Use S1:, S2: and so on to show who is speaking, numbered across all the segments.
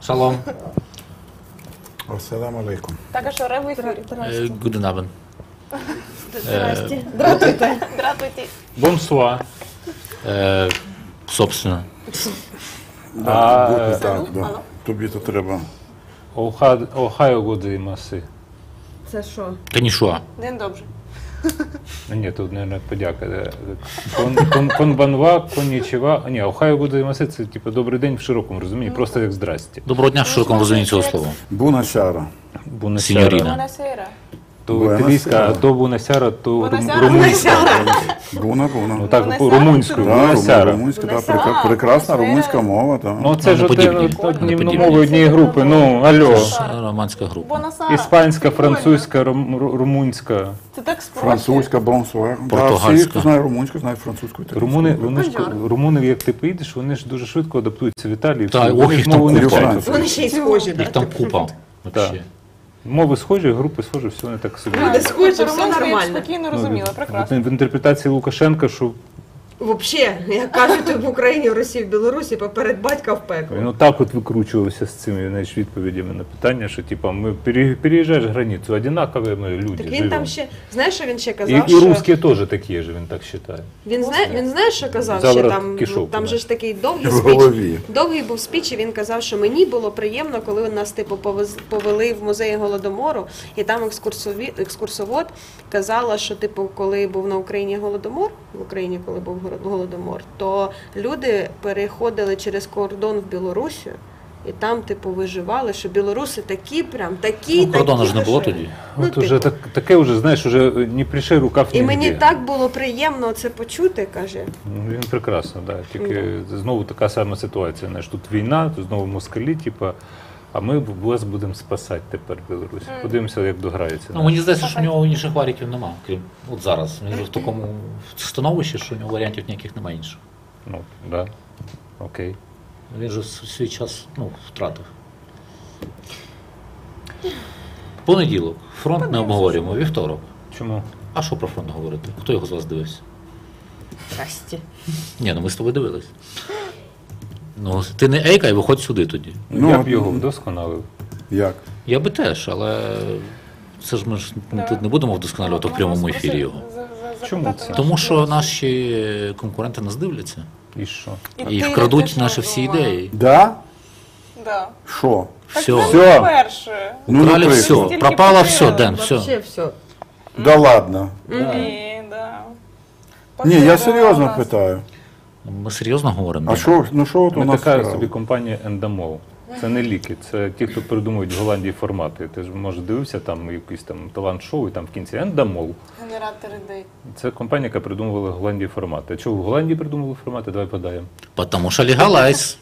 S1: Шалом.
S2: Ассаламу алейкум.
S3: Так, а що, Ре в ефірі?
S1: Guten Abend.
S4: Здрасте. Здравствуйте.
S3: Здравствуйте.
S5: Бонсуа.
S1: Собственно.
S2: Так, да. Тобі то треба.
S5: Охайо годзаймаси.
S4: Це що?
S1: Канішуа.
S3: День добре.
S5: Ні, тут, мабуть, подяка. Конбанва, коннічева. Ні, охайо годзаймаси – це, типу, добрий день в широкому розумінні, просто як здрасті.
S1: Доброго дня в широкому розумінні цього слова.
S2: Бунасяра.
S1: Сіньоріна.
S3: Бонасера.
S5: То італійська, а то бунасяра, то
S3: Бунасяра.
S5: румунська.
S2: Буна.
S5: Ну так, румунською, бунасяра.
S2: Румунська, так, прекрасна румунська мова, так.
S5: Ну це ж одні
S1: подібні.
S5: мови однієї групи, ну, алло.
S1: Романська група.
S3: Бонасара.
S5: Іспанська, французька, румунська.
S3: Це так спроще.
S2: Французька, бонсуар.
S1: Португальська.
S2: Всі, хто знає румунську, знають французьку.
S5: Румуни, як ти поїдеш, вони ж дуже швидко адаптуються в Італії.
S1: Так,
S5: вони
S1: їх
S5: ж
S1: там
S5: мову не
S1: купа.
S5: вчать.
S4: Вони ще й схожі,
S1: Їх
S4: так?
S1: там купа. Вообще.
S5: Мови схожі, групи схожі, все не так собі.
S4: Люди схожі, все
S3: Румунську я
S4: нормально.
S3: спокійно розуміла, прекрасно.
S5: В інтерпретації Лукашенка, що
S4: Взагалі, як кажуть в Україні, в Росії, в Білорусі, поперед батька в пекло.
S5: він отак от викручувався з цими, знаєш, відповідями на питання, що типа ми переїжджаєш границю, однакові ми люди.
S4: Так він
S5: живемо.
S4: там ще, знаєш, що він ще
S5: І
S4: казав, що...
S5: русські теж такі ж, він так вважає.
S4: Він знає, що казав, що
S5: Заворот
S4: там,
S5: кишок,
S4: там
S5: да.
S4: же ж такий довгий
S2: В
S4: спіч.
S2: голові.
S4: Довгий був спіч, і він казав, що мені було приємно, коли нас типу повели в музей Голодомору, і там екскурсовод казала, що типу, коли був на Україні Голодомор, в Україні, коли був Голодомор, то люди переходили через кордон в Білорусі, і там, типу, виживали, що білоруси такі прям, такі,
S1: Ну, кордону ж не було
S4: що-
S1: тоді.
S4: Ну,
S5: От уже
S4: типу.
S5: таке вже, знаєш, уже не пришей рукав
S4: І
S5: нігде.
S4: мені так було приємно це почути, каже.
S5: Ну, він прекрасно, да. Тільки знову така сама ситуація. Знаєш, тут війна, тут знову москалі, типа, а ми вас будемо спасати тепер Білорусь. Подивимося, як дограється.
S1: Ну, мені здається, що в нього інших варіантів нема, крім от зараз. Він вже в такому становищі, що у нього варіантів ніяких немає інших.
S5: Ну, да. Окей.
S1: Він же свій час втратив. Понеділок. Фронт не обговорюємо. Вівторок.
S5: Чому?
S1: А що про фронт говорити? Хто його з вас дивився?
S4: Здрасте.
S1: Ні, ну ми з тобою дивились. Ну, ти не ейкай, виходь сюди тоді.
S5: Я б його вдосконалив.
S2: Як?
S1: Я би теж, але це ж ми ж тут не будемо вдосконалювати в прямому ефірі його.
S5: Чому це?
S1: Тому що наші конкуренти нас дивляться
S5: І що?
S1: і вкрадуть наші всі ідеї.
S2: Да?
S3: Да.
S2: Що?
S1: Все.
S2: Все.
S3: Перше.
S2: Ну,
S1: Украли
S2: наприклад.
S1: все,
S3: Стільки
S1: пропало все,
S3: потеряли.
S1: Ден, все.
S4: Вообще все.
S2: Да ладно.
S3: Ні, да.
S2: Ні, я
S3: Потеряла
S2: серйозно
S3: нас.
S2: питаю.
S1: Ми серйозно говоримо?
S2: А що, ну що от у
S5: Ми
S2: нас
S5: така
S2: вкрали?
S5: собі компанія Endemol. Це не ліки, це ті, хто придумують в Голландії формати. Ти ж, може, дивився там якийсь там талант-шоу, і там в кінці Endemol.
S3: Генератор ідей.
S5: Це компанія, яка придумувала в Голландії формати. А чого в Голландії придумували формати? Давай подаємо.
S1: Тому що легалайз.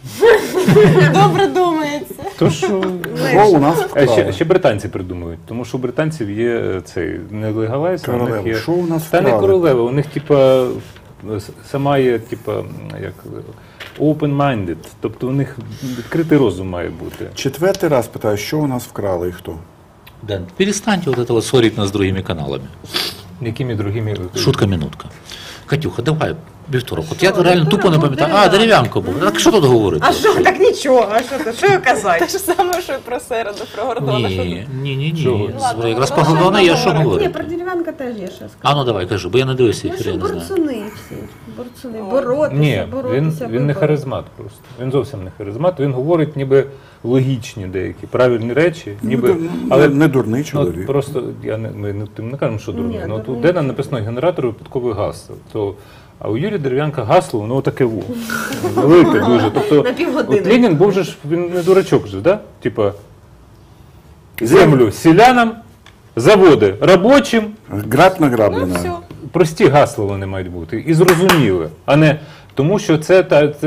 S3: Добре думається.
S5: То що...
S2: Що у нас
S5: А
S2: вкрали?
S5: ще британці придумують, тому що у британців є цей не легалайз, а у них
S2: Королева.
S5: є...
S2: Що у нас
S5: Та не
S2: вкрали?
S5: королева, у них типа сама є, типа, як open-minded, тобто у них відкритий розум має бути.
S2: Четвертий раз питаю, що у нас вкрали і хто?
S1: Ден, перестаньте вот это вот ссорить нас с другими каналами.
S5: Якими другими...
S1: Шутка-минутка. Катюха, давай, вівторок. От я реально тупо не пам'ятаю. А, дерев'янко був. Так що тут говорити?
S4: А що, так нічого, а що то, що
S3: Те
S4: казати?
S3: ж саме, що і про середу, про Гордона. що
S1: Ні,
S3: тут?
S1: ні.
S3: Ладно,
S1: Якраз
S3: ну,
S1: про Гордона є що
S4: Ні,
S1: говорити.
S4: про дерев'янка теж є що сказати.
S1: А ну давай, кажи, бо я не дивився
S4: Ну,
S1: ефір, я
S4: що
S1: не знаю.
S4: борцуни всі, борцуни, боротися,
S5: Ні,
S4: боротися.
S5: він не харизмат просто. Він зовсім не харизмат. Він говорить ніби логічні деякі, правильні речі, ніби...
S2: Але не дурний
S5: Ну,
S2: чоловік.
S5: просто ми не кажемо, що дурний.
S4: Ні,
S5: Ну, тут
S4: дурний.
S5: Дена написано генератор випадкових гасел. А у Юрія Дерев'янка гасло, воно таке во. Велике дуже. Тобто,
S4: На півгодини.
S5: от Ленін був же ж, він не дурачок же, да? Типа, землю селянам, заводи робочим,
S2: Граб
S3: Ну,
S2: награблена.
S3: все.
S5: прості гасла вони мають бути. І зрозуміли, а не тому, що це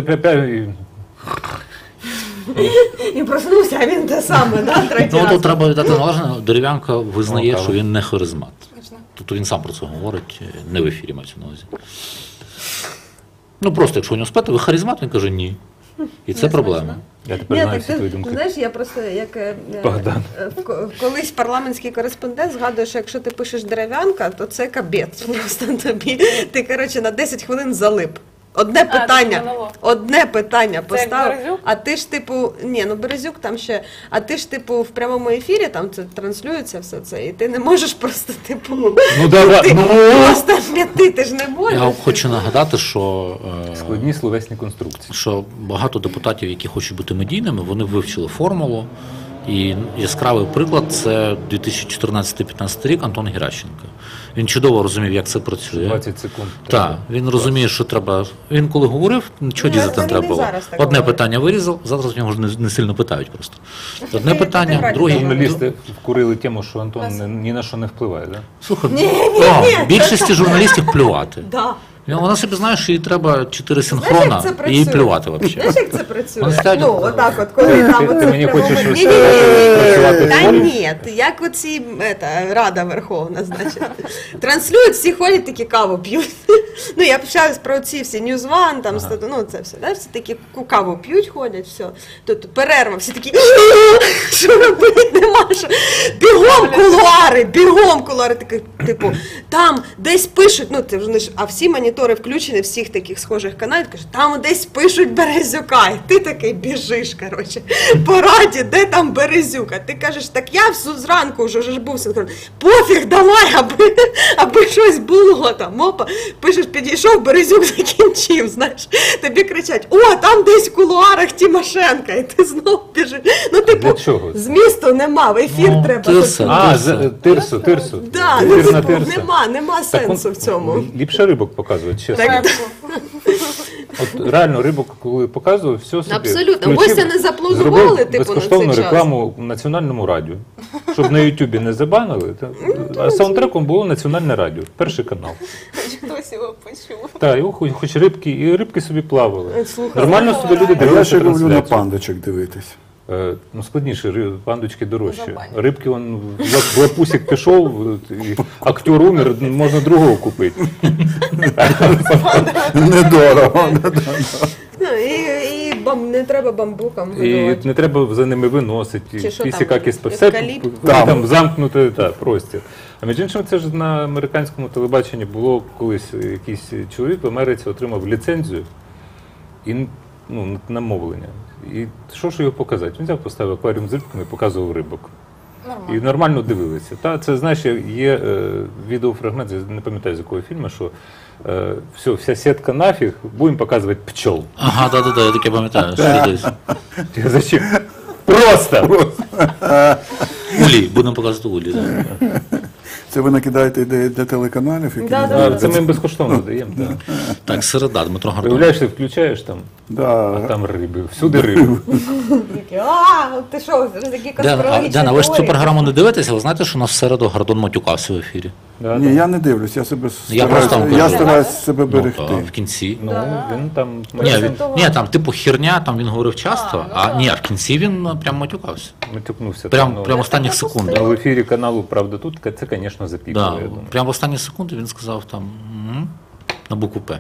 S4: І проснувся, а він те саме, да, третій
S1: Ну
S4: раз.
S1: тут треба віддати належне, Дерев'янка визнає,
S5: Ну,
S1: що він не харизмат.
S3: Точно.
S1: Тобто він сам про це говорить, не в ефірі мається на увазі. Ну просто, якщо у нього спитати, ви харизмат, він каже ні. І це проблема.
S5: Я тепер
S4: Ні,
S5: знаю
S4: так
S5: всі твої
S4: ти
S5: думки.
S4: знаєш, я просто як
S5: Богдан.
S4: колись парламентський кореспондент згадує, що якщо ти пишеш дерев'янка, то це кабець. Просто тобі ти коротше на 10 хвилин залип. одне питання,
S3: монолог.
S4: одне питання
S3: як
S4: поставив,
S3: Березюк?
S4: а ти ж типу, ні, ну Березюк там ще, а ти ж типу в прямому ефірі там це транслюється все це, і ти не можеш просто типу,
S5: Ну давай,
S4: ти
S5: ну
S4: просто м'яти, ти ж не можеш.
S1: Я хочу нагадати, що
S5: складні словесні конструкції.
S1: що багато депутатів, які хочуть бути медійними, вони вивчили формулу. І яскравий приклад – це 2014-2015 рік Антон Геращенко. Він чудово розумів, як це працює.
S5: 20 секунд.
S1: Так, він розуміє, що треба. Він коли говорив, нічого
S4: Ну,
S1: дізати не
S4: він
S1: треба
S4: і
S1: було.
S4: зараз так
S1: Одне
S4: говорить.
S1: питання вирізав, завтра з нього ж не сильно питають просто. Одне
S4: Ти
S1: питання,
S4: правильно
S1: друге.
S5: Журналісти вкурили тему, що Антон ні на що не впливає, так?
S1: Слухай,
S4: Ні,
S1: більшості журналістів плювати.
S4: Да.
S1: Вона собі знає, що їй треба 4
S4: Знаєш,
S1: синхрона,
S4: як це
S1: і
S4: працює?
S1: їй плювати взагалі.
S4: Знаєш, як це працює?
S1: Вони стоять-
S4: Ну, отак от, коли там
S5: Ти
S4: оце
S5: мені
S4: прямо-
S5: хочеш
S4: Ні-ні-ні.
S5: працювати в
S4: Та
S5: полі?
S4: ні, як оці Рада Верховна, значить. Транслюють, всі ходять, такі каву п'ють. Ну, я общаюсь про ці всі News One, там, ну, це все, да? Всі такі каву п'ють, ходять, все. Тут перерва, всі такі, що робити нема, що. Бігом кулуари, такі, типу, там десь пишуть, ну, це вже, а всі монітори включені, всіх таких схожих каналів, кажуть, там десь пишуть Березюка, і ти такий біжиш, коротше, по раді, де там Березюка? Ти кажеш, так я зранку вже ж був синхрон. Пофіг, давай, аби щось було там. Опа, пишеш, підійшов, Березюк закінчив, знаєш. Тобі кричать, о, там десь в кулуарах Тимошенка, і ти знов біжиш. Ну, типу,
S5: Для чого?
S4: змісту нема, в ефір
S1: Ну,
S4: треба.
S1: тирса.
S5: А, тирсу.
S4: Да, ну,
S5: Ефірна
S4: типу,
S5: тирса.
S4: нема
S5: Так
S4: сенсу в цьому.
S5: Ліпше рибок показують, чесно.
S4: Так,
S5: От реально рибок, коли показував, все собі.
S4: Абсолютно.
S5: включив,
S4: Гостя не запланували,
S5: зробив
S4: типу, на
S5: безкоштовну
S4: цей час.
S5: рекламу в національному радіо. Щоб на Ютубі не забанили. А саундтреком було національне радіо, перший канал.
S3: Хтось його почув.
S5: Так, його хоч рибки, і рибки собі плавали.
S4: Слухай,
S5: Нормально собі люди
S2: Я
S5: дивилися
S2: ще люблю на
S5: трансляцію.
S2: пандочок дивитись.
S5: Ну, складніше, пандочки дорожчі.
S3: Забанять.
S5: Рибки, он в лапусик пішов, і актер умер, можна другого купити.
S2: Недорого.
S4: Ну, і не треба бамбуком
S5: І
S4: годувати.
S5: не треба за ними виносити.
S4: Чи що
S5: Пісіка
S4: там,
S5: все
S4: евкаліпт?
S5: там замкнути простір. А між іншим, це ж на американському телебаченні було колись якийсь чоловік в Америці отримав ліцензію і на мовлення. І що ж його показати? Він взяв, поставив акваріум з рибками і показував рибок.
S3: Нормально.
S5: І нормально дивилися. Це, знаєш, є відеофрагмент, я не пам'ятаю з якого фільму, що вся сітка нафіг, будемо показувати пчол.
S1: Ага, да, я таке пам'ятаю. Що десь.
S5: Зачем? Просто!
S1: Улі, будемо показувати улі. Да.
S2: Це ви накидаєте ідеї для телеканалів, які
S4: Да,
S2: не
S4: да.
S2: знають.
S5: Це ми їм безкоштовно даємо. Так.
S1: Так, середа, Дмитро Гордон.
S5: Уявляєш, ти включаєш там, а
S2: Да.
S5: там риби, всюди риби.
S4: Такі, ти що, такі
S1: Дена,
S4: конспірологічні
S1: ви ж цю
S4: теорії?
S1: програму не дивитеся, ви знаєте, що у нас в середу Гордон матюкався в ефірі?
S5: Да,
S2: Ні,
S5: да.
S2: я не дивлюсь, я себе
S1: Я просто вам
S2: я
S1: кажу.
S2: стараюсь себе
S1: Ну,
S2: берегти.
S1: в кінці.
S5: Ну, він там...
S1: Ні, там типу херня, там він говорив часто, в кінці він прям матюкався.
S5: Матюкнувся.
S1: Прям
S5: там,
S1: останніх секунд.
S5: в ефірі каналу «Правда тут» це, звісно, запікало,
S1: Да,
S5: я думаю.
S1: прямо в останні секунди він сказав там на букву П.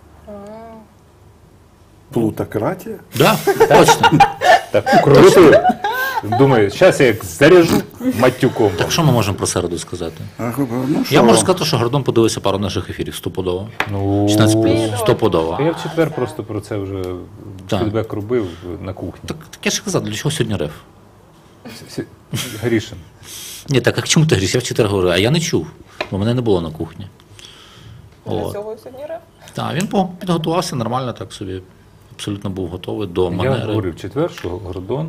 S2: Плутократія?
S1: Да, точно.
S5: Так, круто. Думаю, зараз я як заряжу матюком.
S1: Так що ми можемо про середу сказати?
S2: Ну, що
S1: Я можу
S2: вам?
S1: сказати, що Гордон подивився пару наших ефірів стопудово.
S5: Ну,
S1: 16+, стопудово.
S5: Я в четвер просто про це вже
S1: Так.
S5: фідбек робив на кухні.
S1: Так я ж казав, для чого сьогодні реф?
S5: Грішин.
S1: Ні, так а чому ти говориш? Я в четвер говорю, а я не чув, бо мене не було на кухні.
S3: Для
S1: От.
S3: цього сьогодні реп.
S1: Так, він підготувався нормально, так собі абсолютно був готовий до
S5: Я
S1: манери.
S5: говорив в четвер, що Гордон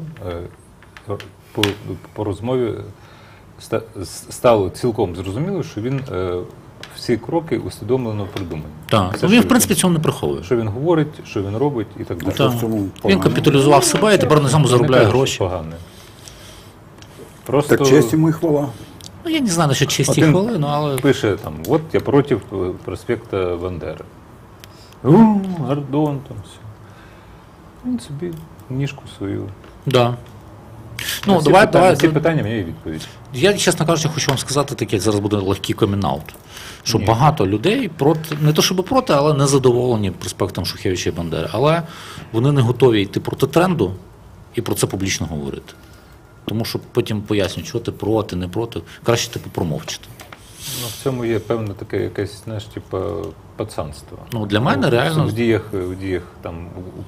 S5: по розмові стало цілком зрозуміло, що він всі кроки усвідомлено придумані.
S1: Так,
S5: Все,
S1: ну, він
S5: що
S1: в принципі цьому не приховує.
S5: Що він говорить, що він робить і так далі.
S2: Що
S1: Так.
S2: в цьому
S1: Він
S2: погано?
S1: капіталізував себе і тепер на цьому
S5: Не
S1: заробляє
S5: кажу,
S1: гроші.
S5: що погане. Просто
S2: Так честь йому і хвала.
S1: Ну, я не знаю, що чисті
S5: Один
S1: хвилини, але
S5: пише там, от я проти проспекта Бандери. Гордон там все. Він собі ніжку свою.
S1: да.
S5: На
S1: Ну,
S5: всі
S1: давай,
S5: питання,
S1: давай.
S5: всі питання мені відповідь.
S1: Я, чесно кажучи, хочу вам сказати таке, зараз буде легкий комінаут, що
S5: Ні.
S1: багато людей проти, не то щоб проти, але не задоволені проспектом Шухевича і Бандери. Але вони не готові йти проти тренду і про це публічно говорити. Тому що потім пояснюють, що ти проти, не проти. Краще типу промовчити.
S5: Ну, в цьому є певне таке якесь, знаєш, типу, пацанство.
S1: Ну, для мене реально-
S5: в діях там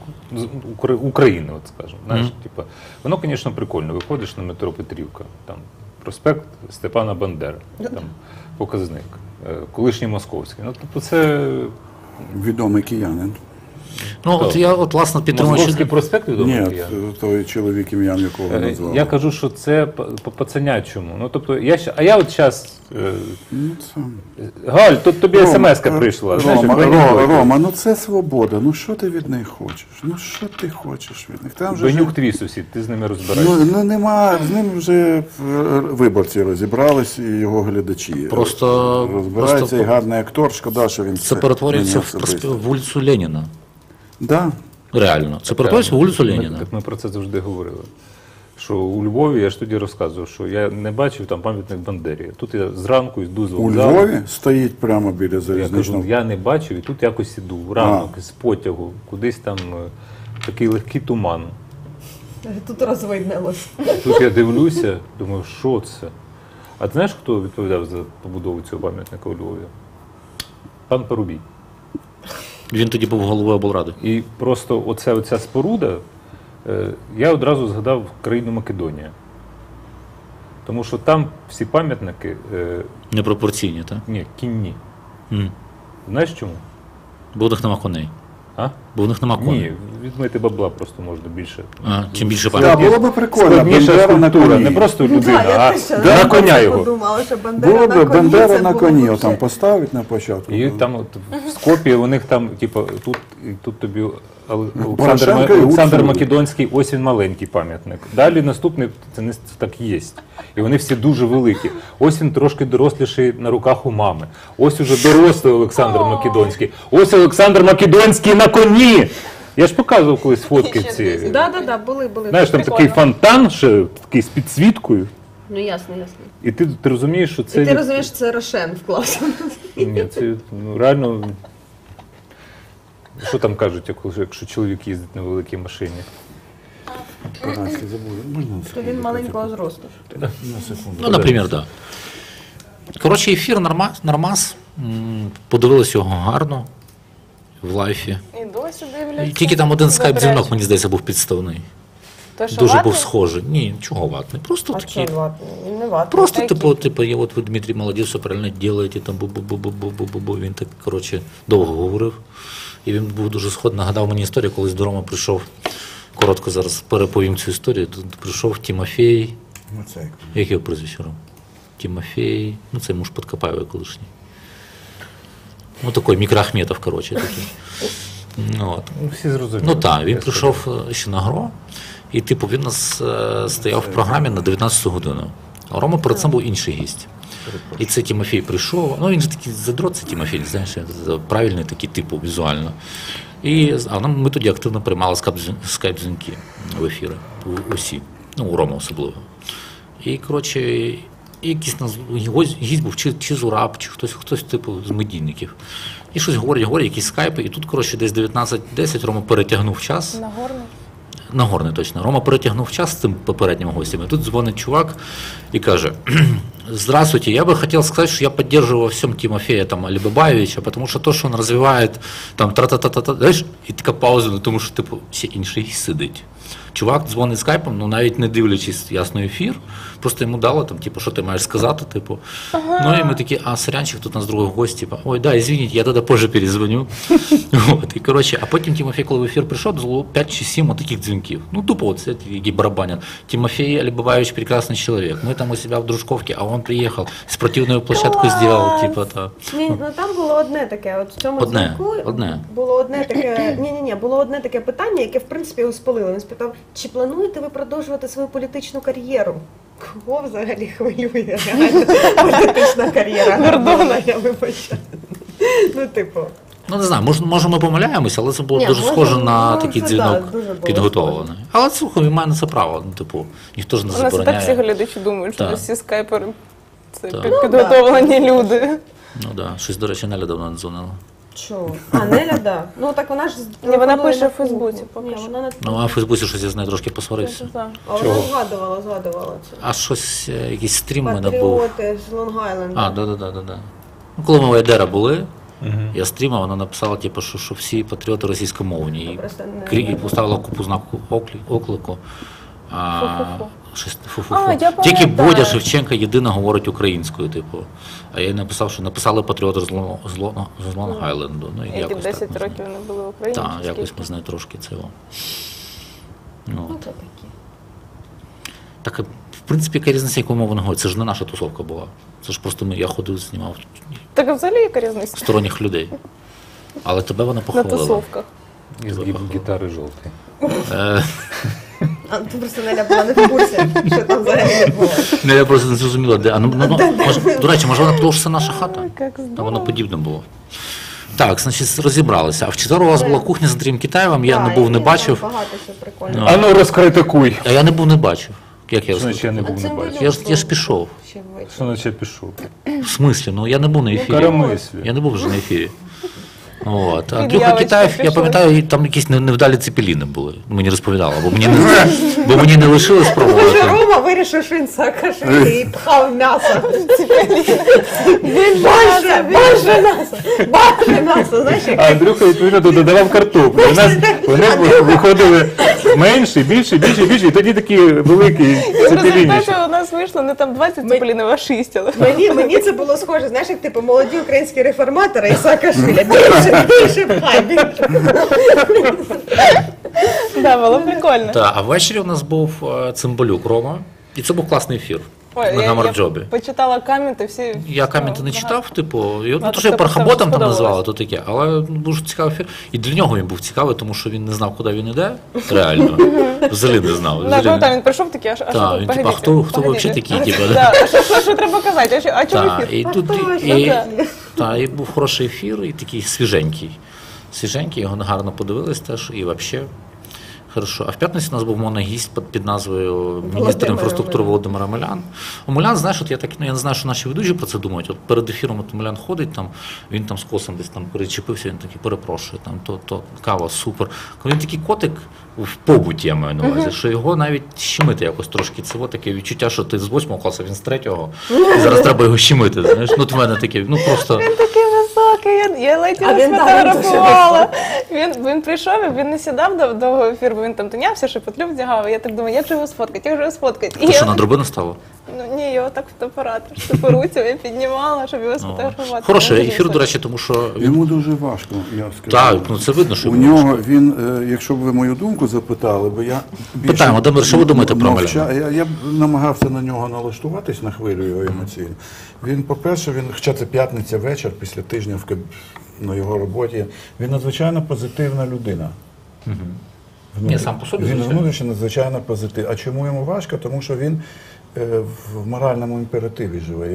S5: України, от скажімо. Знаєш, типа, воно, звісно, прикольно. Виходиш на метро Петрівка, там проспект Степана Бандери, там показник, колишній московський. Ну, тобто це
S2: Відомий киянин.
S1: Ну, от я, от, власне, підтримуючи...
S5: Московський проспект відомий.
S2: Ні,
S5: я.
S2: той чоловік, ім'я якого назвав.
S5: Я кажу, що це по пацанячому. Ну, тобто, я от зараз...
S2: Ну, це...
S5: Галь, тут тобі смс-ка прийшла. Знаєш, як
S2: Рома, ну це свобода. Ну що ти від них хочеш? Ну що ти хочеш від них? Там же
S5: Бенюк твій сусід, ти з ними розбираєшся.
S2: ну нема, з ним вже виборці розібрались і його глядачі.
S1: Просто-
S2: Розбирається
S1: просто-
S2: і гарний актор, шкода, що він
S1: Це перетворюється
S2: мені
S1: в
S2: особисто.
S1: вулицю Леніна.
S2: Да.
S1: Реально. Це перетворюється в вулицю Леніна.
S5: Так ми про це завжди говорили. Що у Львові, я ж тоді розказував, що я не бачив там пам'ятник Бандері. Тут я зранку йду з
S2: У
S5: вокзалу.
S2: Львові стоїть прямо біля
S5: Я кажу,
S2: залізничного.
S5: я не бачив, і тут якось іду ранок з потягу, кудись там такий легкий туман.
S4: Тут розвиднилось.
S5: Тут я дивлюся, думаю, що це? А ти знаєш, хто відповідав за побудову цього пам'ятника у Львові? Пан Парубій.
S1: Він тоді був головою облради.
S5: І просто оця споруда, я одразу згадав країну Македонія. Тому що там всі пам'ятники,
S1: Непропорційні, так?
S5: ні, кінні.
S1: М.
S5: Знаєш чому?
S1: Бо в них нема коней.
S5: А?
S1: Бо в них нема коней.
S5: Ні, відмити бабла просто можна більше.
S1: А, чим більше
S2: Так,
S1: пам'ятників.
S2: було б прикольно.
S5: Складніша
S2: Бандера на
S5: скульптура,
S2: коні.
S5: не просто людина, а
S2: Да.
S5: на коня його.
S4: Подумала, що Бандера
S2: Було
S4: на
S2: б
S4: коні.
S2: Бандера
S4: це
S2: на
S4: було
S2: коні,
S4: вообще.
S2: там поставить на початку.
S5: І там от в Скопі у них там, типу, тут тобі
S2: Порошенко і
S5: Олександр
S2: Гуцул.
S5: Македонський, ось він маленький пам'ятник. Далі наступний, це не так є. І вони всі дуже великі. Ось він трошки доросліший на руках у мами. Ось уже дорослий Олександр Македонський. Ось Олександр Македонський на коні. Я ж показував колись фотки ці.
S4: Да, були.
S5: Знаєш, там такий
S3: Прикольно.
S5: фонтан, ще такий з підсвіткою.
S4: Ну ясно.
S5: І ти розумієш, що це
S4: І ти розумієш, це Рошен вклався.
S5: Ні, це реально. Що там кажуть, якщо чоловік їздить на великій машині?
S2: Настя, забуду. Можна на
S4: То
S2: секунду?
S4: він маленького зросту.
S2: На секунду.
S1: Ну, наприклад, так. Да. Коротше, ефір нормас. Подивилися його гарно в лайфі.
S3: І досі дивляться.
S1: І тільки там один скайп-дзвінок,
S3: Заперечують.
S1: мені здається, був підставний.
S3: То, що
S1: Дуже
S3: ватний?
S1: був схожий. Ні, чого ватний. Просто
S3: А
S1: такий.
S3: чого ватний? Він не ватний.
S1: Просто,
S3: Такий.
S1: типу, я от ви, Дмитрій, молодець, все правильно робите, там бу-бу-бу-бу-бу-бу-бу. Він так, коротше, довго говорив. І він був дуже сход, нагадав мені історію, колись до Роми прийшов, коротко зараз переповім цю історію, тут прийшов Тимофій,
S2: Ну, це як.
S1: як його прізвище Ром? Тимофій, ну це муж Подкопаєва колишній. Ну такий мікроахметов, коротше, такий. Ну, от.
S5: Ну, всі зрозуміли.
S1: Ну так, він
S5: Я
S1: прийшов ще на ГРО, і типу він у нас стояв в програмі на 19 годину. А Рома перед цим був інший гість. І це Тимофій прийшов. Ну він же такий задрот, це Тимофій, знаєш, правильний такий типу візуально. Ми тоді активно приймали скайп-дзвінки в ефіри. Усі. Ну, у Рома особливо. І, коротше, якийсь гість був, чи Зураб, чи хтось типу з медійників. І щось говорять, якісь скайпи, і тут, коротше, десь 19:10 Рома перетягнув час.
S3: Нагорний.
S1: Нагорний, точно. Рома перетягнув час з тим попереднім гостем. І тут дзвонить чувак і каже: «Здравствуйте, я бы хотел сказать, что я поддерживаю во всем Тимофея там, Алибабаевича, потому что то, что он развивает, там, тра-та-та-та-та, знаєш, і така пауза, ну, тому що, типу, всі інші сидить. Чувак дзвонить скайпом, ну, навіть не дивлячись ясно ефір, просто йому дало, там, типу, що ти маєш сказати, типу. Ну, і ми такі, сорянчик, тут у нас другий гость, типу, ой, да, извините, я тоді позже перезвоню. От, і, коротше, а потім Тимофій, коли в ефір прийшов, було 5 чи 7 таких дзвінків. Ну, тупо, от, які барабанять. Тимофей Алибабаевич прекрасный человек. Мы там у себя в Дружковке, а он приехал, спортивную площадку сделал, типа, то.
S4: Ні, ну там було одне таке. От в цьому дзвінку було одне таке. Було одне таке питання, яке в принципі його спалило. Він спитав, чи плануєте ви продовжувати свою політичну кар'єру? Кого взагалі хвилює реально політична кар'єра Гордона, я вибачаю. Ну, типу.
S1: Ну, не знаю, може ми помиляємося, але це було
S4: Ні,
S1: дуже
S4: може,
S1: схоже на
S4: ну,
S1: такий
S4: це
S1: дзвінок
S4: да, дуже було
S1: підготовлений. Але слухай, він має на це право. Ну, типу, ніхто ж не
S3: У нас і так всі
S1: забороняє.
S3: глядачі думають, що
S1: Так.
S3: всі скайпери це
S1: Так.
S3: підготовлені люди.
S1: Ну так, да. Щось, до речі, Неля давно не дзвонила.
S4: Чого? А, Неля, да. Ну так вона ж
S3: Ні, вона
S4: пропонує
S3: пише
S4: на
S3: в Фейсбуці
S4: кухню.
S3: поки
S4: Ні,
S3: що.
S4: вона не
S1: Ну, а в Фейсбуці щось я з нею трошки посварився.
S3: Так.
S4: А вона згадувала це.
S1: А щось, якийсь стрім в мене був.
S4: Патріоти з Лонг-Айленда.
S1: Да. Ну, коли ми в Айдера були, Я стрімав, вона написала, типу, що всі патріоти російськомовні.
S4: Просто не-
S1: І поставила купу знаку оклику.
S3: Фу-фу-фу.
S1: Щось фу-фу-фу.
S3: А, я
S1: Тільки
S3: пам'ятаю.
S1: Бодя Шевченка єдина говорить українською, типу. А я їй написав, що написали патріоти з Лонг-Айленду. Ну, і
S3: Які
S1: якось
S3: 10
S1: так ми з нею.
S3: років не були в Україні.
S1: Так,
S3: чи
S1: якось
S3: скільки?
S1: ми з нею трошки цього. Ну,
S4: Ну, це таке.
S1: так, в принципі, яка різниця, яку мову не говорить? Це ж не наша тусовка була. Це ж просто я ходив, знімав
S3: Так а взагалі яка різниця?
S1: сторонніх людей. Але тебе вона
S3: На
S1: похвалила.
S3: тусовках.
S5: Із гітари жовтий.
S1: Е,
S4: А ти просто Неля була не в курсі, що там взагалі відбулося.
S1: Ну, я просто не зрозуміла, де. До речі, може вона подумала, що це наша хата?
S3: Як
S1: А
S3: здорово.
S1: воно подібне було. Так, значить, розібралися. А в четвер у вас була кухня з Андрієм Китаєвим, я не був, не бачив.
S4: Багато що прикольно.
S1: Ну.
S5: А ну розкритикуй.
S1: А я не був, не бачив. Як я
S5: Що значить я
S1: розповів?
S5: не був, не бачив?
S1: Я ж пішов.
S4: Ще ввечері.
S5: Що наче пішов?
S1: В смислі? Ну я не був на ефірі.
S5: Карамислі.
S1: Я не був вже на ефірі. От. А Андрюха
S3: Під'явочка
S1: Китаєв, я
S3: пішла.
S1: пам'ятаю, там якісь невдалі цепеліни були. Мені розповідали, бо мені не лишили спробувати.
S4: Рома вирішив, що він саакашвілі і пхав м'ясо. Більше м'ясо, більше м'ясо, знаєш, як
S5: А Андрюха, відповідно, додавав картоплю. У нас вони виходили менше, більше, і тоді такі великі
S3: В
S5: цепеліні.
S3: результаті у нас вийшло не там 20 цеплінів, а 6. Але...
S4: мені це було схоже, знаєш, як типу молоді українські реформатори і Саакашвілі. Більше пхай, більше.
S3: Да, було прикольно.
S1: А ввечері у нас був Цимбалюк Рома, і це був класний ефір
S3: Ой,
S1: на
S3: я
S1: Гамарджобі.
S3: почитала коменти, всі...
S1: Я коменти не читав, типу, і,
S3: Багато
S1: то, що я
S3: хто писав,
S1: пархаботом там
S3: сподобалось.
S1: назвали, то таке, але дуже цікавий ефір. І для нього він був цікавий, тому що він не знав, куди він іде, реально. Взагалі не знав.
S3: Да,
S1: взагалі
S3: пам'ятаю,
S1: не-
S3: він прийшов такий, а що
S1: Так,
S3: тут?
S1: він типу, а
S3: Погодите,
S1: хто ви
S3: погодите.
S1: взагалі такі, типу,
S3: Да, що треба казати? А чому
S1: Так,
S3: ефір?
S1: і тут і був хороший ефір, і такий свіженький. Свіженький, його гарно подивились теж, і взагалі. Хорошо. А в п'ятницю у нас був моногість під назвою міністр інфраструктури Володимир Омелян. Омелян, знаєш, от я так, я не знаю, що наші ведучі про це думають. От перед ефіром от Омелян ходить, там, він там з косом десь там перечепився, він такий перепрошує, там, то кава, супер. Він такий котик в побуті, я маю на увазі, що його навіть щемити якось трошки. Це таке відчуття, що ти з 8 класу, він з 3-го, і зараз треба його щемити. Знаєш? Ну, от в мене таке, ну просто.
S3: Він такий високий, я ледь
S4: А
S3: його
S4: він, да,
S3: сфотографувала. Він прийшов, і він не сідав довго ефір, бо він там тинявся, шепотлю вдягав. І я так думаю, як же його сфоткати, як же його сфоткати? І
S1: Ти що,
S3: я,
S1: на дробину стало?
S3: ну ні, його так фотоапарат, по руці я піднімала, щоб його сфотографувати.
S1: Хороший
S3: Він дуже
S1: ефір, до
S3: високий.
S1: речі, тому що він.
S2: Йому дуже важко, я скажу.
S1: Так, ну це видно, що
S2: У
S1: йому
S2: нього він, якщо б ви мою думку запитали, бо я більше
S1: Питаємо, Володимир, що ви думаєте про
S2: мовча- Я б намагався на нього налаштуватись на хвилю його емоційну. Він, по-перше, хоча це п'ятниця вечір, після тижня на його роботі, він надзвичайно позитивна людина.
S1: Ні, сам по собі,
S2: Він
S1: звичайно.
S2: внутрішньо надзвичайно позитивний. А чому йому важко? Тому що він в моральному імперативі живе.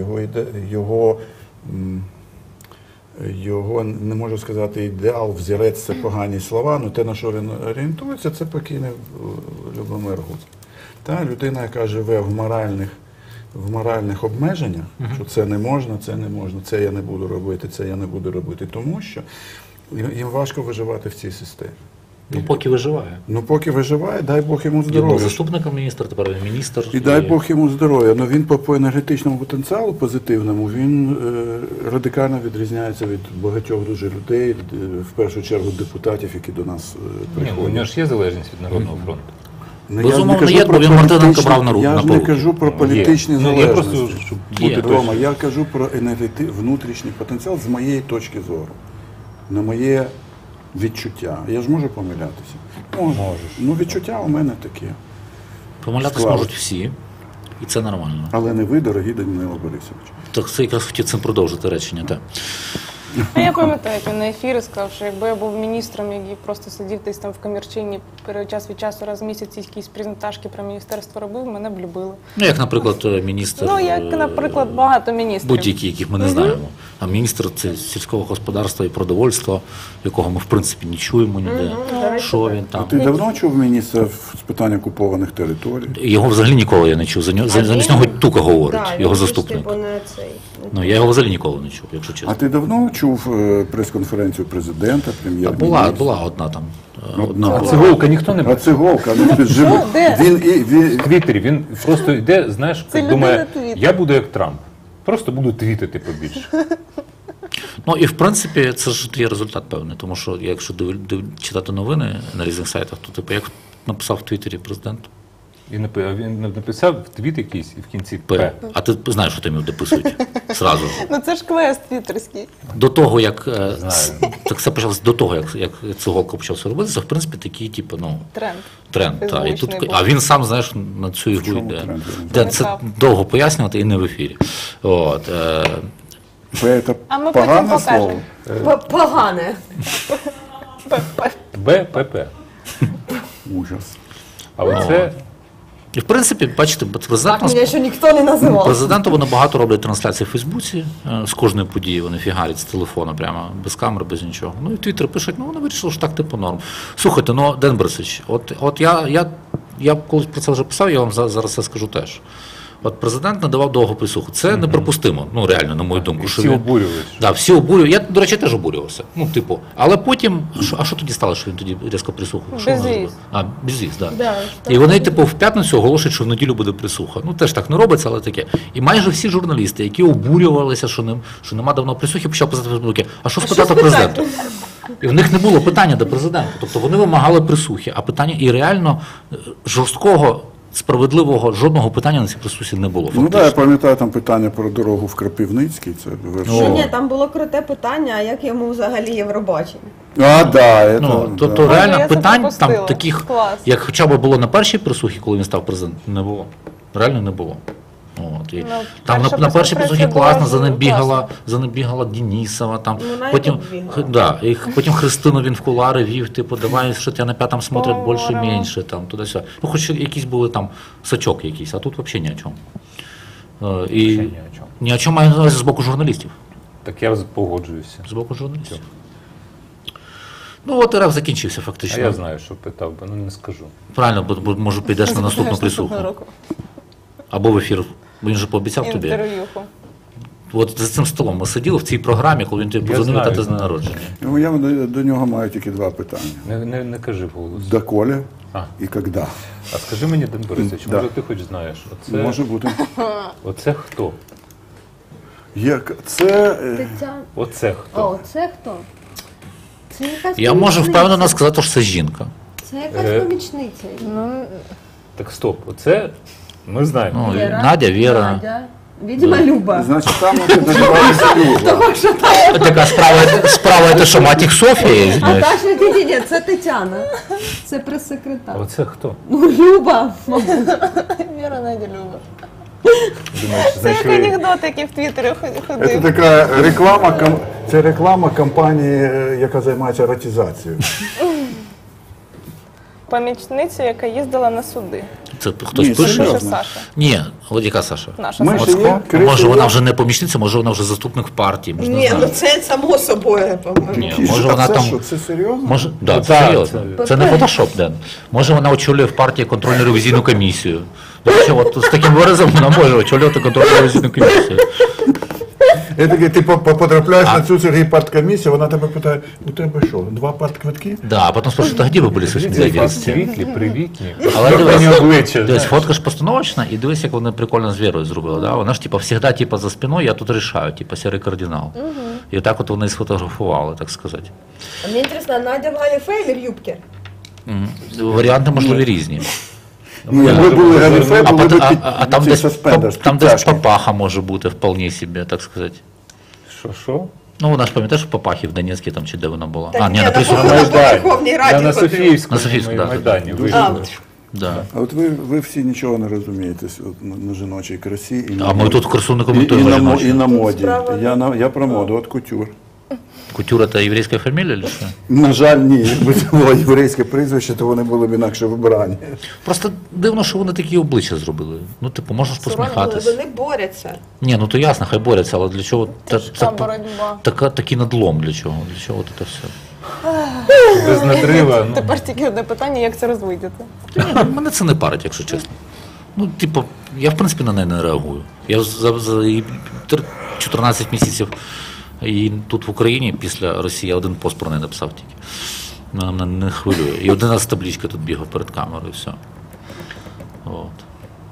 S2: Його, не можу сказати, ідеал, взірець це погані слова, але те, на що він орієнтується, це покійний Любомир Гуц. Та людина, яка живе в моральних обмеженнях, що це не можна, це я не буду робити, це я не буду робити, тому що їм важко виживати в цій системі.
S1: Ну, поки виживає.
S2: Ну, поки виживає, дай Бог йому
S1: Він був
S2: здоров'я.
S1: заступником міністра, тепер він міністр.
S2: І дай Бог йому здоров'я. Ну він по енергетичному потенціалу позитивному, він радикально відрізняється від багатьох дуже людей, в першу чергу депутатів, які до нас
S5: Ні, ну, у
S2: приходять.
S5: нього ж є залежність від Народного фронту.
S2: Ну,
S1: Безумовно,
S2: кажу
S1: є,
S2: про
S1: бо він Мартиненка
S2: політичні-
S1: брав на руку,
S2: Я
S1: на
S2: ж не
S1: поруки.
S2: кажу про політичні
S5: Є. Ну, я
S2: залежності.
S5: просто, щоб
S1: Є.
S5: бути
S2: Рома,
S5: точно.
S2: я кажу про внутрішній потенціал з моєї точки зору, на моє відчуття. Я ж можу помилятися?
S5: Можеш.
S2: Ну, відчуття у мене таке.
S1: Помилятися
S2: Склалось.
S1: можуть всі, і це нормально.
S2: Але не ви, дорогий Данило Борисович.
S1: Так це якраз хотів цим продовжити речення. Так.
S3: А я пам'ятаю, як він на ефірі сказав, що якби я був міністром, який просто сидів десь там в комірчині, час від часу раз в місяць якісь презентажки про міністерство робив, мене б любили.
S1: Ну, як, наприклад, міністр.
S3: Ну, як, наприклад, багато міністрів.
S1: Будь-які, яких ми не знаємо. А міністр це сільського господарства і продовольства, якого ми в принципі не чуємо ніде. Що він там?
S2: Ти давно чув міністра з питань окупованих територій?
S1: Його взагалі ніколи я не чув. Замість нього Тука говорить,
S4: Да,
S1: його
S4: він ж,
S1: заступник.
S4: типу, не цей.
S1: Ну, я його взагалі ніколи не чув, якщо чесно.
S2: А ти давно чув прес-конференцію президента,
S1: Та
S2: прем'єр-міністра?
S1: була одна там.
S2: Одна.
S5: А циголка ніхто не
S2: А
S5: бачить.
S2: циголка, ну ти живий.
S3: Де?
S5: В Твіттері він просто йде, знаєш,
S3: Це
S5: думає,
S3: людина Твіттер.
S5: я буду як Трамп. Просто буду твітити побільше.
S1: Ну і в принципі це ж є результат певний, тому що якщо читати новини на різних сайтах, то типу як написав в Твіттері президент.
S5: І він написав твіт якийсь і в кінці П.
S1: П. А ти знаєш, що там його дописують зразу.
S3: Ну це ж квест твіттерський.
S1: До того, як
S5: Знаю.
S1: так все почалося до того, як Цеголко почався робити, це в принципі такий, типу, ну, тренд. Та. І тут,
S3: Фейсбучний
S1: а
S3: був.
S1: він сам, знаєш, на цю ігру
S2: чому
S1: йде.
S2: тренд?
S1: Це довго пояснювати і не в ефірі. От,
S2: П – це
S3: А ми потім
S2: погане
S3: покажемо.
S2: слово?
S4: Погане.
S5: БПП.
S2: Ужас.
S5: А оце
S1: і в принципі, бачите, президент
S4: Мене ще ніхто не називав.
S1: президенту вони багато роблять трансляції в Фейсбуці, з кожної події вони фігарять з телефону, прямо без камери, без нічого. Ну і Твіттер пишуть, ну вони вирішили, що так типу норм. Слухайте, ну Ден Борисович, от я колись про це вже писав, я вам зараз це скажу теж. От президент надавав довгу присуху. Це неприпустимо, ну реально, на мою думку.
S5: всі обурювалися.
S1: Да, всі обурювали. Я, до речі, теж обурювався. Ну, типу, але потім, а що тоді стало, що він тоді різко присуху? Що вона
S3: Безвіз.
S1: зробила? Безвіз, так.
S4: Да,
S1: І вони, типу, в п'ятницю оголошують, що в неділю буде присуха. Ну, теж так не робиться, але таке. І майже всі журналісти, які обурювалися, що нема давно присухи, почали писати в Фейсбуці, а що спитати президента? І в них не було питання до президента. Тобто вони вимагали присухи, а питання і реально жорсткого, справедливого, жодного питання на цій присусі не було.
S2: Ну
S1: Фактично.
S2: так, я пам'ятаю там питання про дорогу в Кропивницький. Це
S1: О.
S6: Ні, там було круте питання, а як йому взагалі Євробачення?
S2: А, да,
S1: Ну,
S2: это,
S1: тобто
S2: да.
S1: реально
S3: Я це
S1: питань
S3: пропустила.
S1: там таких,
S3: Клас.
S1: як хоча б було на першій присухі, коли він став президентом, не було. Реально не було. От, і
S3: Ну,
S1: там
S3: перша
S1: на першій
S3: прес-конференція
S1: присухі
S3: була
S1: класно,
S3: класна.
S1: за ним бігала Денісова, там,
S6: Вона і
S1: потім,
S6: тут бігала.
S1: да, і потім Христину він в кулари вів, типу, давай, що тебе на п'ятому смотрять більше,
S3: Здорово.
S1: менше, там, туди-сюди. Ну, хоч якісь були там сачок якийсь, а тут взагалі ні о чому. І
S5: Ще ні о чому.
S1: ні о чому маю на увазі з боку журналістів.
S5: Так я погоджуюся.
S1: З боку журналістів. Ну, от РФ закінчився
S5: А
S1: фактично.
S5: я знаю, що питав, бо не скажу.
S1: Правильно, бо може підеш на наступну присуху. Або в ефір. Бо він же пообіцяв тобі.
S3: Інтерв'юху.
S1: От за цим столом ми сиділи в цій програмі, коли він тобі
S5: Я
S1: позвонив
S5: знаю,
S1: вітати з дня
S5: знаю.
S1: народження.
S2: Ну, я до нього маю тільки два питання.
S5: Не кажи вголос.
S2: Доколе
S5: А.
S2: і коли?
S5: А скажи мені, Ден Борисович,
S2: Да.
S5: може ти хоч знаєш,
S2: Може бути.
S5: оце хто?
S2: Це
S6: Тетяна.
S5: Оце хто?
S6: О, це хто? Це якась
S1: Я можу
S6: помічниця.
S1: впевнено сказати, що це жінка.
S6: Це якась помічниця.
S5: Так стоп, оце ми знаємо.
S1: Ну, Надя, Віра.
S6: Надя. Відьма Люба.
S2: значить там може називатися Люба.
S1: Така справа, це що, матір Софія, я
S6: А
S1: извиняюсь.
S6: та що ні, це Тетяна. Це прес-секретар.
S5: Оце хто?
S6: Ну, Люба, мабуть.
S3: Віра Надя Люба.
S5: Думаєш,
S3: Це як
S5: знайшли?
S3: анекдот, який в Твіттері
S2: Це
S3: ходив.
S2: така реклама компанії, яка займається еротизацією.
S3: Помічниця, яка їздила на суди.
S1: Це хтось
S2: Ні,
S1: пише?
S2: серйозно.
S3: Пише Саша.
S1: Ні, от яка Саша?
S3: Наша
S2: Ми
S3: Саша.
S2: ж є
S1: Може вона вже не помічниця, може вона вже заступник в партії. Ми ж не
S4: Ні, ну
S1: знаємо.
S4: це само собою, по-моєму.
S1: Ні,
S2: І
S1: може
S2: що,
S1: вона
S2: це
S1: там.
S2: що, це серйозно?
S1: Може, да,
S5: Ну,
S1: це
S5: так,
S1: серйозно. Це не фотошоп, Ден. Може вона очолює в партії контрольну ревізійну комісію. До речі, от з таким виразом вона може очолювати контрольну ревізійну комісію.
S2: Я такий, ти потрапляєш на цю Сергій парткомісію, вона тебе питає, у тебе що, 2 партквитки?
S1: Да, а потім спрашивают, а где вы были с
S5: Дивіться, які
S1: 89?
S5: світлі, привітні.
S1: Але
S5: Спокійні
S1: дивись,
S5: обличчя.
S1: дивись, фотка ж постановочна, і дивись, як вони прикольно з Вірою зробили. Да? Вона ж типа завжди типа, за спиною, я тут рішаю, типа сірий кардинал. І так от вони сфотографували, так сказати.
S6: А мені цікаво, Надя в Галі Фейлер юбки.
S1: Варіанти можливі різні.
S2: Ну, якби були галіфе,
S1: А,
S2: були б
S1: а там десь,
S2: суспендер,
S1: там десь
S2: підтяжки.
S1: папаха може бути вполне собі, так сказати.
S5: Що?
S1: Ну, вона ж пам'ятаєш, в Папахі в Донецькій, там чи де вона була?
S4: Та
S1: А, ні,
S4: ні,
S1: на
S4: на
S1: присуху.
S4: Вона
S5: На Майдані.
S4: Верховній Раді
S5: Я на
S4: ходила.
S5: Софіївському
S1: На Софіївському, да.
S5: Майдані
S2: Дуже
S5: вийшов.
S1: Да.
S2: А от ви всі нічого не розумієте на жіночій красі. І на
S1: А ми
S2: моді.
S1: тут в красу не
S2: і
S1: коментуємо
S2: на
S1: жіночі.
S2: моді.
S6: Справа-
S2: Я про моду, от кутюр.
S1: Кутюр – це єврейська фамілія чи що?
S2: На жаль, ні. Якби це було єврейське прізвище, то вони були б інакше вибрані.
S1: Просто дивно, що вони такі обличчя зробили. Ну, типу, можна ж посміхатись.
S4: Вони борються.
S1: Ні, ну то ясно, хай борються, але для чого
S3: Тяжка боротьба.
S1: такий надлом для чого? Для чого це все?
S5: Без надрива. Ну,
S3: Тепер тільки одне питання, як це розвидіти.
S1: Ні, мене це не парить, якщо чесно. Ну, типу, я в принципі на неї не реагую. Я за її 14 місяців і тут в Україні після Росії я один пост про неї написав тільки. Вона мене не хвилює. І 11 табличка тут бігав перед камерою, і все. От.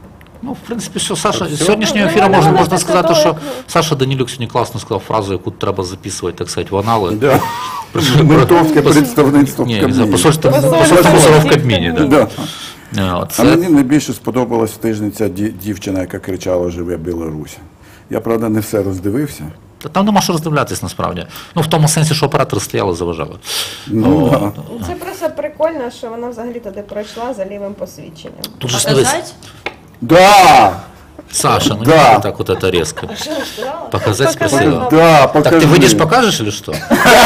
S1: Ну, в принципі, що Саша, з
S5: Все?
S1: сьогоднішнього
S3: Ну,
S1: ефіру
S3: нормально
S1: можна
S3: після
S1: сказати,
S3: того,
S1: що
S3: як-
S1: Саша Данилюк сьогодні класно сказав фразу, яку треба записувати, так сказати, в анали.
S2: Да. Ментовське представництво в
S1: Ні, за
S2: Кабміні.
S1: посольство
S3: Посольство
S1: Мусоров в
S3: в
S1: Кабміні. Да.
S2: Да. А
S1: Це,
S2: мені найбільше сподобалась в тижні ця дівчина, яка кричала «Живе Білорусь». Я, правда, не все роздивився.
S1: Та там нема що роздивлятись насправді. Ну, в тому сенсі, що оператори стояли, заважали.
S2: Ну, да.
S6: Це просто прикольно, що вона взагалі туди пройшла за лівим посвідченням.
S1: Тут же ж дивись,
S2: Да!
S1: Саша, ну
S2: Да.
S1: не так вот это резко. Показать спросила.
S2: Да,
S1: Так
S2: покажи.
S1: ты выйдешь, покажешь или что?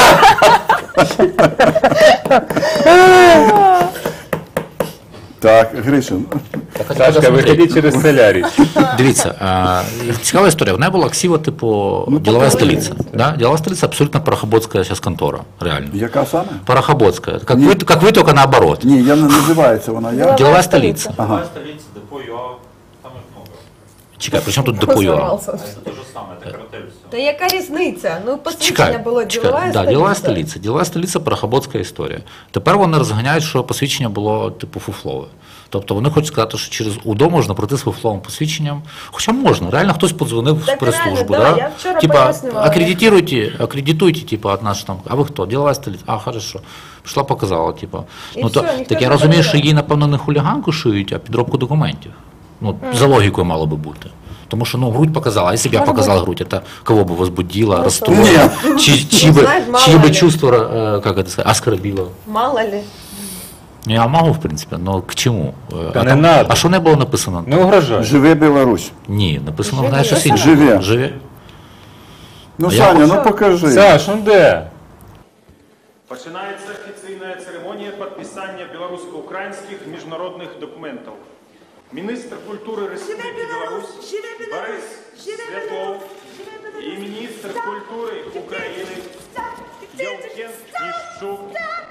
S2: Так, Гришин.
S5: Сашка, виходи через солярій.
S1: Дивіться, цікава історія. В неї була ксива, типу, ділова столиця. Да? Ділова столиця абсолютно парохоботська зараз контора, реально.
S2: Яка саме?
S1: Парохоботська. Как вы, только наоборот.
S2: Ні, я не називається вона. Я...
S1: Ділова столиця.
S2: Ага.
S7: Столица, депо ЮА, там их много.
S1: Чекай, при чому тут депо.ua?
S6: Позорвався.
S7: Это то же самое, это картель все.
S6: Та яка різниця? Ну, посвідчення
S1: Чекай,
S6: було ділова
S1: да, ділова столиця. Ділова столиця – парохоботська історія. Тепер вони розганяють, що посвідчення було типу фуфлове. Тобто вони хочуть сказати, що через УДО можна пройти з фуфловим посвідченням. Хоча можна, реально хтось подзвонив в
S6: Так
S1: прес-службу.
S6: реально, да,
S1: Да?
S6: я вчора
S1: Типа,
S6: пояснювала.
S1: акредитуйте, типа, от нас там, а ви хто? Ділова столиця? А, хорошо. Пішла, показала, типа.
S6: І
S1: Ну, то,
S6: все, ніхто
S1: так я
S6: не
S1: розумію, що
S6: перевіряє.
S1: їй, напевно, не хуліганку шиють, а підробку документів. Ну, за логікою мало би бути. Тому що, ну, грудь показала, а если бы я показал грудь, это кого бы возбудило, расстроило, чьи
S6: Знаешь,
S1: бы чувства, как это сказать, оскорбило.
S6: Мало ли.
S1: Ну, я могу, в принципе, но к чему?
S5: Та не надо.
S1: А що не було написано?
S5: Не угрожай.
S2: Живе Білорусь.
S1: Ні, написано,
S6: Живе.
S1: знаєш, щось інше.
S2: Живе.
S1: Живе.
S2: Ну,
S1: А я
S2: Саня,
S1: хочу-
S2: ну покажи.
S5: Саш, ну де?
S8: Починається офіційна церемонія підписання білорусько-українських міжнародних документів. Міністр культури Республіки Білорусь Борис Святлов і міністр культури України Євген Ніщук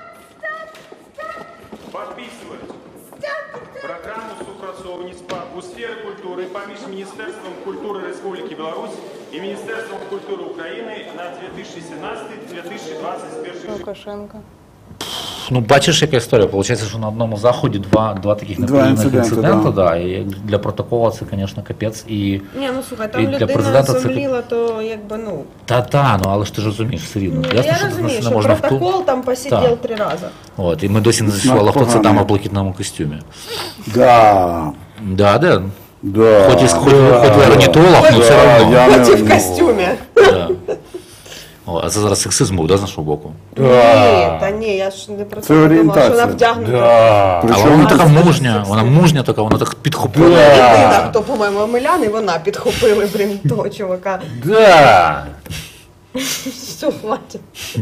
S8: підписують програму супрацовництва у сфері культури поміж Міністерством культури Республіки Білорусь і Міністерством культури України на 2017-2021 рік.
S3: Лукашенко.
S1: Ну, бачиш, яка історія. Получається, що на одному заході два таких
S2: Два
S1: неприємних
S2: інциденти,
S1: інцидента,
S2: да.
S1: да. І для протоколу це, звісно, капець. І
S6: Ні, ну слухай, там
S1: І для
S6: людина
S1: президента це
S6: зумліла, то якби, ну...
S1: та, ну, але ж ти ж розумієш, все рівно.
S6: Ну,
S1: Ясно,
S6: я
S1: що
S6: розумію,
S1: це
S6: що
S1: не можна
S6: протокол там посидів
S1: Так.
S6: 3 рази.
S1: От, і ми досі не з'ясували, хто це
S2: поганий.
S1: дама в блакитному костюмі.
S2: Да.
S1: Да.
S2: Да.
S1: Хоч ви орнітолог, але все
S2: Да,
S1: одно.
S2: я
S6: Хоч і
S2: не-
S6: в костюмі.
S1: Да. О, а це зараз сексизм був, да, з нашого боку?
S6: Ні, та ні, я ж не про
S2: Це
S6: це думала, що
S2: орієнтація.
S6: вона вдягнута.
S5: Да.
S1: Але вона така мужня, така, вона так підхопила.
S6: Єдина, хто, по-моєму, Омелян, і вона підхопили, блін, того чувака.
S5: Да.
S6: Все, хватить.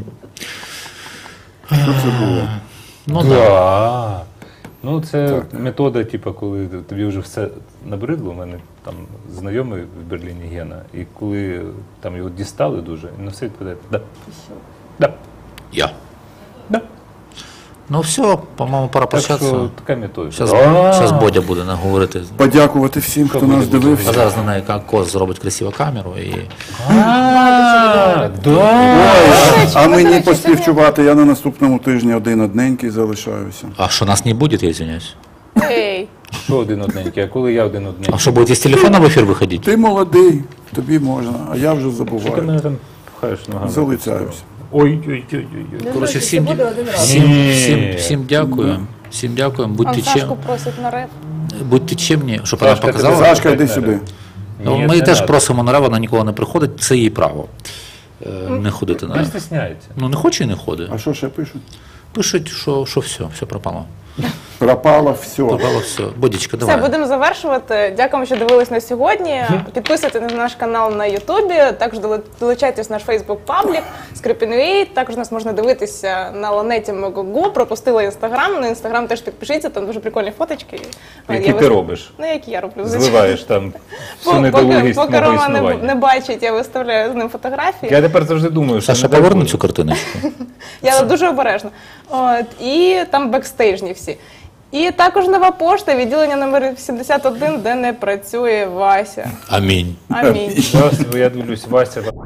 S1: Ну, да.
S5: Да. Ну, це метода, типу, коли тобі вже все набридло. У мене там знайомий в Берліні Гена, і коли там його дістали дуже, він на все відповідає, да. Да.
S1: Я.
S5: Да.
S1: Ну все, по-моєму, пора
S5: Так що
S1: прощатися.
S5: така метода.
S1: Зараз Бодя буде говорити.
S2: Подякувати всім, хто нас
S1: А
S2: дивився.
S1: зараз на неї Кос зробить красиву камеру і.
S5: Да.
S2: Ой, а мені поспівчувати, я на наступному тижні один одненький залишаюся.
S1: А що нас не буде, я извиняюсь.
S3: Ей,
S5: Що один одненький, а коли я один
S1: А
S5: одненький?
S1: що, будете з телефона в ефір виходити?
S2: Ти молодий, тобі можна, а я вже
S5: Що ти
S2: забуваю.
S5: мене там пхаєш ногами?
S2: Залицяюся.
S5: Ой-ой-ой.
S1: Коротше,
S6: Це буде один раз.
S1: всім дякую. Всім дякуємо.
S3: он
S1: Будьте
S3: Сашку просить на реп.
S1: будьте чемні, щоб вона
S5: Сашка,
S1: показала.
S5: тебе
S2: Сашка, йди сюди.
S1: Ну,
S5: Ні,
S1: ми
S5: не
S1: теж
S5: надо.
S1: просимо на реп, вона ніколи не приходить, це її право. Не ходити на
S5: Не
S1: реп.
S5: стесняється.
S1: Ну не хоче і не ходить.
S2: А що ще пишуть?
S1: Пишуть, що все пропало.
S2: Пропало все.
S1: Пропало все. Бодічка,
S3: Все,
S1: давай.
S3: будемо завершувати. Дякуємо, що дивились на сьогодні. Підписуйтесь на наш канал на Ютубі, також долучайтесь в наш Фейсбук паблік Скрипін.ua. Також нас можна дивитися на Ланеті Мегого. Пропустила Інстаграм. На Інстаграм теж підпишіться, там дуже прикольні фоточки.
S5: Які ти робиш?
S3: Ну, які я роблю, звичайно.
S5: Зливаєш там всю недолугість
S3: Поки
S5: мого
S3: Рома не
S5: існування.
S3: бачить, я виставляю з ним фотографії.
S5: Я тепер завжди думаю, що
S1: Саша,
S5: не дай
S1: поверни
S5: Боже.
S1: цю картиночку.
S3: Я дуже обережна. От, і там бекстейжні всі. І також нова пошта, відділення номер 71, де не працює Вася.
S1: Амінь.
S3: Амінь.
S5: Зараз я дивлюсь, Вася.